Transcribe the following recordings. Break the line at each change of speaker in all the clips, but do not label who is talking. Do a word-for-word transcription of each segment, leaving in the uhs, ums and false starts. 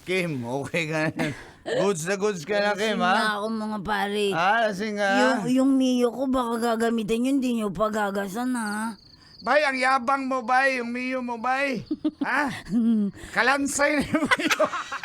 Kim, okay ka na. Goods na goods ka na, Kim,
Lasing na
ha?
ako mga pare.
Ah, lasing ka.
Yung, yung Mio ko baka gagamitin yun, di nyo pagagasan ha.
Bay, ang yabang mo, bay. Yung Mio mo, bay. Ha? Kalansay na yung Mio.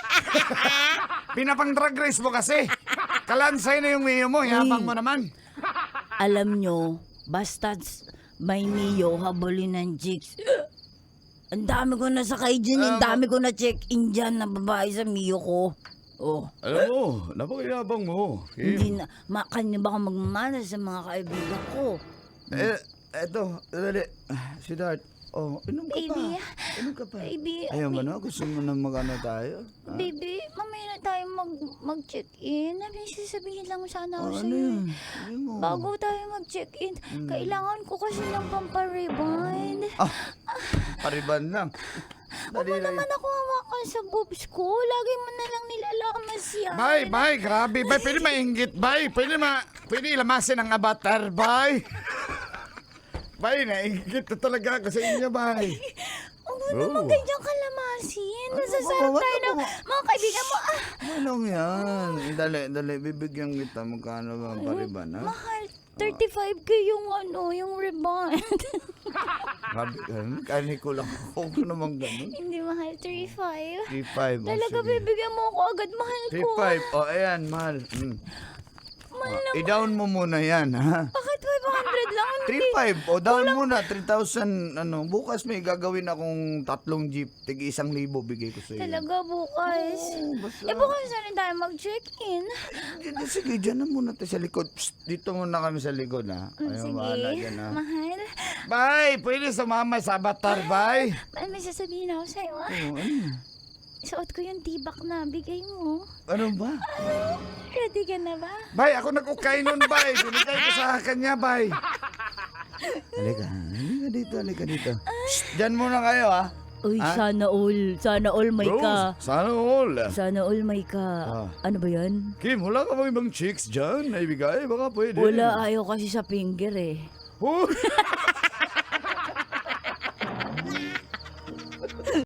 Pinapang drag race mo kasi. Kalansay na yung Mio mo. Yabang mo naman.
Alam nyo, basta may Mio, habulin ng chicks. Ang dami ko na sakay dyan, ang dami ko na check-in dyan na babae sa Mio ko. Oh,
Alam mo, napakayabang mo.
hindi na, ma, kanya ba ako magmamana sa mga kaibigan ko?
Eh, eto, dali. Si Dart. Oh, inom ka pa.
Baby.
Inom ka pa.
Baby,
Ayaw mo na? Gusto mo na mag-ano tayo? Ha?
baby, mamaya na tayo mag, mag-check-in. May sasabihin lang sana ako
Oh, ano
sa'yo.
yun? Ano mo?
Bago tayo mag-check-in,
Hmm.
kailangan ko kasi ng pamparibind.
Ah, pariban lang.
Huwag mo naman ako hawakan sa boobs ko. Lagi mo na lang nilalamas yan.
Bay, bay, grabe, bay. Pwede mainggit, bay. Pwede ma... Pwede ilamasin ang avatar, bay. Bay, nainggit na talaga ako sa inyo, bay.
Huwag mo naman ganyan kalamasin. Nasasarap
ano,
tayo
ano,
ng mga kaibigan mo. Ah,
Anong yan? Dali, dali. Bibigyan kita. Magkano ba ang pariban, ha?
mahal. thirty-five k yung ano, yung rebound.
Grabe, kani ko lang. Huwag ko naman ganun.
Hindi mahal, three five.
three five.
Talaga, bibigyan mo ako agad. Mahal
three
ko.
five. O, ayan, mahal. Mm.
Mahal na.
Oh, i-down mo muna yan, ha?
Bakit five hundred lang?
three five. O, down muna. three thousand. Ano, bukas may gagawin akong tatlong jeep. Tig isang libo bigay ko sa iyo.
Talaga bukas.
Oo, basta.
Eh, bukas na rin tayo mag-check-in.
Sige, sige, dyan na muna tayo sa likod. Psst, dito muna kami sa likod, ha?
Mm,
Ayaw,
Sige,
bahala dyan, ha?
mahal.
Bye! Pwede sumama sa avatar, bye!
Mahal, may sasabihin ako sa'yo, ah.
Oh, ano?
Suot ko yung tibak na bigay mo.
Ano ba?
Ready ka na ba?
Bay, ako nag-ukay nun, bay. Binigay ko sa kanya, bay. Halika, halika dito, halika dito. Shh, dyan muna kayo, ha?
Uy,
Ah?
sana all, sana all may ka.
sana all.
Sana all may ka.
Ah.
Ano ba yan?
Kim, wala ka bang ibang chicks dyan na ibigay? Baka pwede.
Wala, ayaw kasi sa finger eh.
Oh!